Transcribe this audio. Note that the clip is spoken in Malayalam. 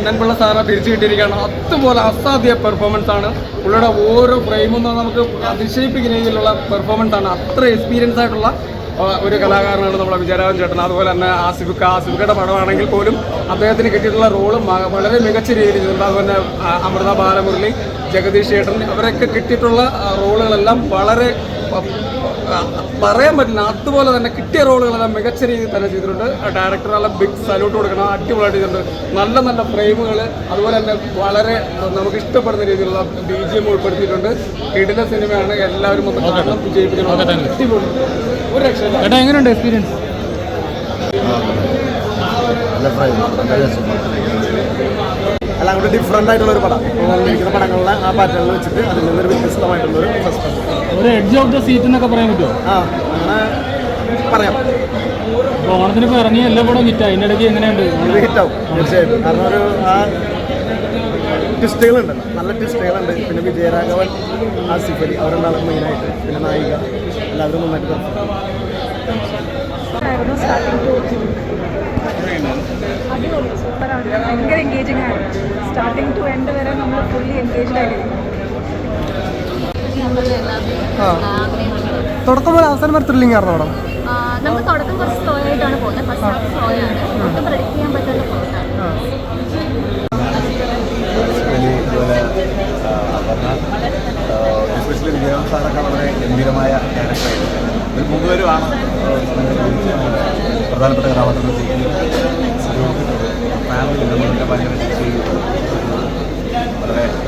കണ്ണൻപിള്ള സാറിനെ തിരിച്ചു കിട്ടിയിരിക്കുകയാണ്. അതുപോലെ അസാധ്യ പെർഫോമൻസ് ആണ്. പുള്ളിയുടെ ഓരോ ഫ്രെയിമും നമുക്ക് അതിശയിപ്പിക്കുന്ന രീതിയിലുള്ള പെർഫോമൻസ് ആണ്. അത്ര എക്സ്പീരിയൻസ് ആയിട്ടുള്ള ഒരു കലാകാരനാണ് നമ്മുടെ വിജയരാഘവൻ ചേട്ടൻ. അതുപോലെ തന്നെ ആസിഫിക്കയുടെ പടമാണെങ്കിൽ പോലും അദ്ദേഹത്തിന് കിട്ടിയിട്ടുള്ള റോളും വളരെ മികച്ച രീതിയിൽ ചെയ്തിട്ടുണ്ട്. അതുപോലെ അമൃത ബാലമുരളി, ജഗദീഷ് ചേട്ടൻ, അവരൊക്കെ കിട്ടിയിട്ടുള്ള റോളുകളെല്ലാം വളരെ പറയാൻ പറ്റില്ല. അതുപോലെ തന്നെ കിട്ടിയ റോളുകളെല്ലാം മികച്ച രീതിയിൽ തന്നെ ചെയ്തിട്ടുണ്ട്. ഡയറക്ടറെല്ലാം ബിഗ് സല്യൂട്ട് കൊടുക്കണം. അടിപൊളിയായിട്ട് ചെയ്തിട്ടുണ്ട്. നല്ല നല്ല ഫ്രെയിമുകൾ, അതുപോലെ തന്നെ വളരെ നമുക്ക് ഇഷ്ടപ്പെടുന്ന രീതിയിലുള്ള BGM ഉൾപ്പെടുത്തിയിട്ടുണ്ട്. കിടില സിനിമയാണ്. എല്ലാവരും ഒന്ന് കാണണം, വിജയിപ്പിക്കണം. അടിപൊളി, ഒരു രക്ഷയില്ല. ചേട്ടാ എങ്ങനെയുണ്ട് എക്സ്പീരിയൻസ്? അല്ല, അങ്ങോട്ട് ഡിഫറെൻ്റ് ആയിട്ടുള്ളൊരു പടം. ഇരിക്കുന്ന പടങ്ങളിലെ ആ പാറ്റേണിൽ വെച്ചിട്ട് അതിൽ നിന്നൊരു വ്യത്യസ്തമായിട്ടുള്ളൊരു സസ്പെൻസ്. ഒരു എഡ്ജ് ഓഫ് ദ സീറ്റ് എന്നൊക്കെ പറയാൻ പറ്റുമോ? അങ്ങനെ പറയാം. ഓണത്തിന് ഇപ്പോൾ ഇറങ്ങിയ എല്ലാ പടവും ഹിറ്റായി. അതിൻ്റെ ഇടയ്ക്ക് എങ്ങനെയുണ്ട്? ഇത് ഹിറ്റാവും തീർച്ചയായിട്ടും. കാരണം ഒരു ട്വിസ്റ്റുകളുണ്ട്, നല്ല ട്വിസ്റ്റുകളുണ്ട്. പിന്നെ വിജയരാഘവൻ, ആസിഫ് അലി, അവരെന്താണ് മെയിനായിട്ട്. പിന്നെ നായിക, എല്ലാവരും നന്നായിട്ട് അടിപൊളി, സൂപ്പറാണ്. ഭയങ്കര എൻഗേജിങ് ആണ്. സ്റ്റാർട്ടിങ് ടു എൻഡ് വരെ നമ്മൾ ഫുള്ളി എൻഗേജ്ഡ് ആയിരിക്കും. തുടക്കം പോലെ അവസാനം വരെ ത്രില്ലിംഗ് ആയിരുന്നു പടം. നമുക്ക് തുടക്കം കുറച്ച് സ്ലോ ആയിട്ടാണ് പോകുന്നത്. ഫസ്റ്റ് ഹാഫ് സ്ലോ ആണ്. ഒട്ടും പ്രഡിക്ട് ചെയ്യാൻ പറ്റാത്ത പോയിട്ടാണ്. എസ്പെഷ്യലി വിജയരാഘവൻ സാറൊക്കെ വളരെ ഗംഭീരമായ ക്യാരക്ടറായിരുന്നു. ഒരു മൂന്നുപേരുമാണ് പ്രധാനപ്പെട്ട കഥാപാത്രങ്ങൾ ചെയ്യുന്നത്. ഒരു ഫാമിലി നമ്മളൊക്കെ ഭയങ്കര വളരെ